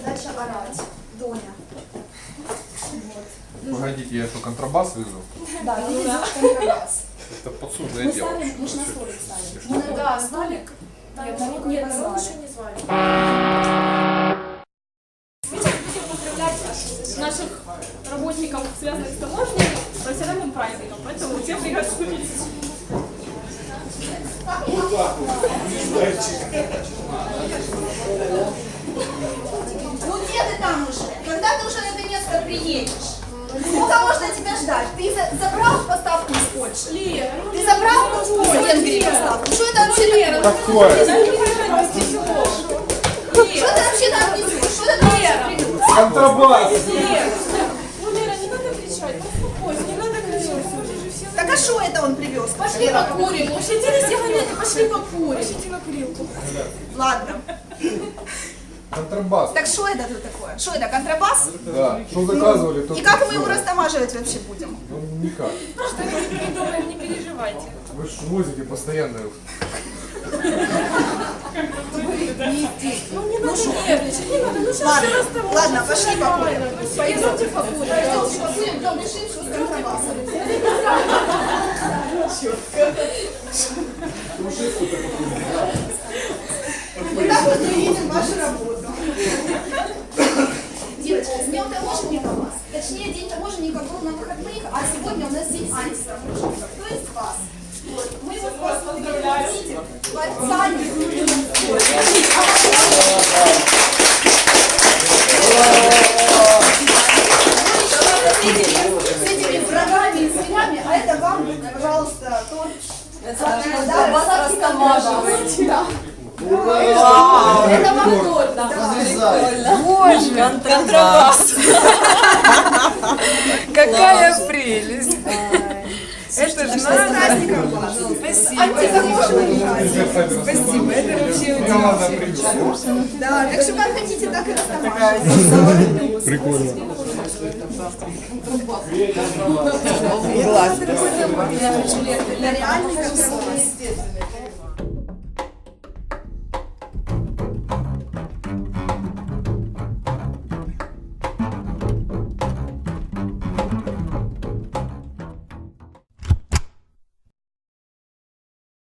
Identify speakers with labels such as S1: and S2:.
S1: задача орать. Доня.
S2: Погодите, я что, контрабас везу?
S1: Да, ты везешь контрабас.
S2: Это подсудное
S1: Мы
S2: дело.
S1: ставим, мы же на столик ставим.
S2: Что?
S1: Да, столик.
S3: Нет,
S1: народ
S3: нет,
S1: не
S3: народ
S1: позвали.
S3: еще не звали. Мы сейчас будем поздравлять наших работников, связанных с таможней, профессиональным праздником, поэтому все приглашены.
S1: Ну где ты там уже? Когда ты уже наконец-то приедешь? Сколько можно тебя ждать? Ты забрал поставку из Польши?
S3: Лера,
S1: Ты забрал из Венгрии поставку? Что это вообще такое?
S2: Такое.
S1: Что ты вообще там несешь? Что ты там вообще привез?
S2: Контрабас!
S3: ну Лера, не надо кричать, успокойся, не надо кричать.
S1: Так а что это он привез?
S3: Пошли покурим, ущадили сигареты, пошли покурим. Пошли на курилку.
S1: Ладно.
S2: Контрабас.
S1: Так что это тут такое? Что это, контрабас?
S2: Да. Что заказывали, то...
S1: И как мы его растамаживать вообще будем?
S2: Ну, никак.
S3: Просто мы придумаем, не переживайте.
S2: Вы же возите постоянно.
S3: Ну не надо нервничать, не надо, ну сейчас
S1: Ладно,
S3: все расставим.
S1: ладно, пошли покурим.
S3: Пойдемте покурим.
S1: Пойдемте покурим, потом решим, что с контрабасом. Вот так вот мы видим вашу работу. Девочки, с днем таможенников вас. Точнее, день таможенников был на выходных, а сегодня у нас день антитаможенников, то есть вас. Вот. Мы вот вас поздравляем. Специально. С этими врагами и зверями, а это вам, пожалуйста, торт. Да, вас растамаживаете. Да. Это вам торт.
S4: Боже, контрабас. Какая прелесть. Это же
S1: С праздником вас.
S4: Спасибо.
S1: Антитаможенный праздник.
S4: Спасибо. Это вообще удивительно.
S1: Да, так что как хотите, так и растамаживайте.
S2: Прикольно.
S4: Класс.
S1: Это реальный контрабас.